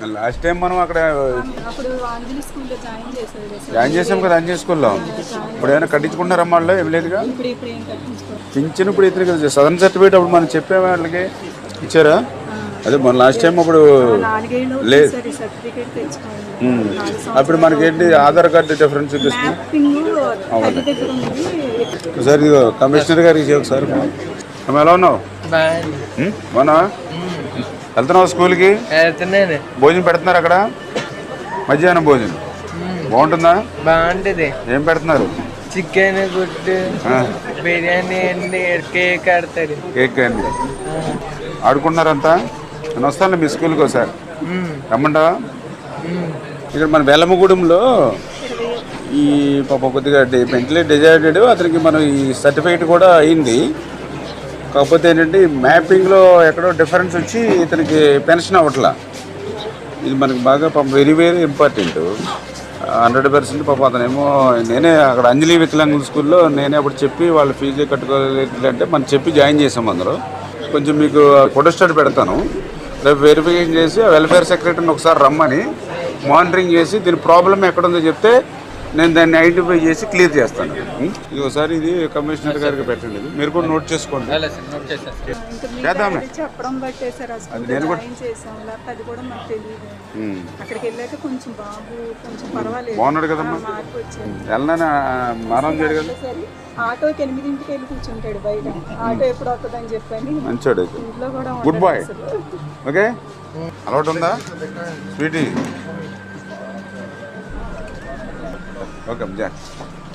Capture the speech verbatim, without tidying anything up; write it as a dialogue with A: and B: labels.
A: Last time మనం అక్కడ
B: అప్పుడు ఆంజలి స్కూల్లో జాయిన్ చేశారు
A: జాయిన్ చేసాం కదా అంజనీ స్కూల్లో. ఇప్పుడు ఏమైనా కట్టించుకుంటారమ్మా వాళ్ళు? ఏం లేదుగా.
B: ఇప్పుడు ఇప్పుడు ఏం కట్టించుకోవాలి.
A: పింఛన్ ఇప్పుడు ఇతను కదా సదరన్ సర్టిఫికేట్ అప్పుడు మనం చెప్పే వాళ్ళకి ఇచ్చారా? అదే మన లాస్ట్ టైం అప్పుడు
B: నాలుగేళ్ళు
A: లేదు.
B: సర్టిఫికేట్ తెచ్చుకోవాలి.
A: అప్పుడు మనకేంటి ఆధార్ కార్డు డిఫరెన్స్ చూపిస్తుంది.
B: తల్లి దగ్గర ఉంది.
A: ఒకసారి ఇదిగో కమిషనర్ గారికి ఇచ్చి ఒకసారి. అమ్మ ఎలా ఉన్నావు? బాగున్నా? వెళ్తున్నావు స్కూల్కి? భోజనం పెడుతున్నారు అక్కడ? మధ్యాహ్నం భోజనం బాగుంటుందా?
C: బాగుంటుంది.
A: ఏం పెడుతున్నారు?
C: చికెన్, గుడ్డు, బిర్యానీ అండి, కేక్ ఆడతారు.
A: కేక్ అండి. ఆడుకుంటున్నారంతా? నేను వస్తాను మీ స్కూల్కి ఒకసారి రమ్మంటావా? ఇక్కడ మన బెల్లమ్మగూడెంలో ఈ పాప కొద్దిగా మెంటలీ డిజైర్డెడ్ అతనికి మనం ఈ సర్టిఫికేట్ కూడా అయింది. కాకపోతే ఏంటంటే మ్యాపింగ్లో ఎక్కడో డిఫరెన్స్ వచ్చి ఇతనికి పెన్షన్ అవ్వట్లా. ఇది మనకి బాగా పాపం very very important. Hundred percent పాపం అతనేమో నేనే అక్కడ అంజలి వికలాంగుల స్కూల్లో నేనే అప్పుడు చెప్పి వాళ్ళు ఫీజు కట్టుకోలేదు అంటే మనం చెప్పి జాయిన్ చేసాం. అందరూ కొంచెం మీకు ఫోటోస్టాట్ పెడతాను. రేపు వెరిఫికేషన్ చేసి వెల్ఫేర్ సెక్రటరీని ఒకసారి రమ్మని మానిటరింగ్ చేసి దీని ప్రాబ్లం ఎక్కడుందో చెప్తే నేను దాన్ని ఐడెంటిఫై చేసి క్లియర్ చేస్తాను. ఇది ఒకసారి ఇది కమిషనర్ గారికి పెట్టండి. మీరు కూడా నోట్ చేసుకోండి. చేద్దాం.
B: చెప్పడం బట్టే సార్
A: నేను కూడా
B: చేసాం. అది కూడా మాకు తెలియదు. అక్కడికి వెళ్ళాక కొంచెం బాబు కొంచెం పర్వాలేదు.
A: బాగున్నాడు కదమ్మా?
B: మార్పు వచ్చింది.
A: వెళ్ళనా మారం చేయడు కదా.
B: ఆటోకి ఎనిమిదింటికి వెళ్ళి కూర్చుంటాడు బయట. ఆటో ఎప్పుడు వస్తుందని చెప్పని
A: మంచోడు.
B: ఇంట్లో కూడా
A: గుడ్ బాయ్. ఓకే అలవాటు ఉందా స్వీటీ? ఓకే జా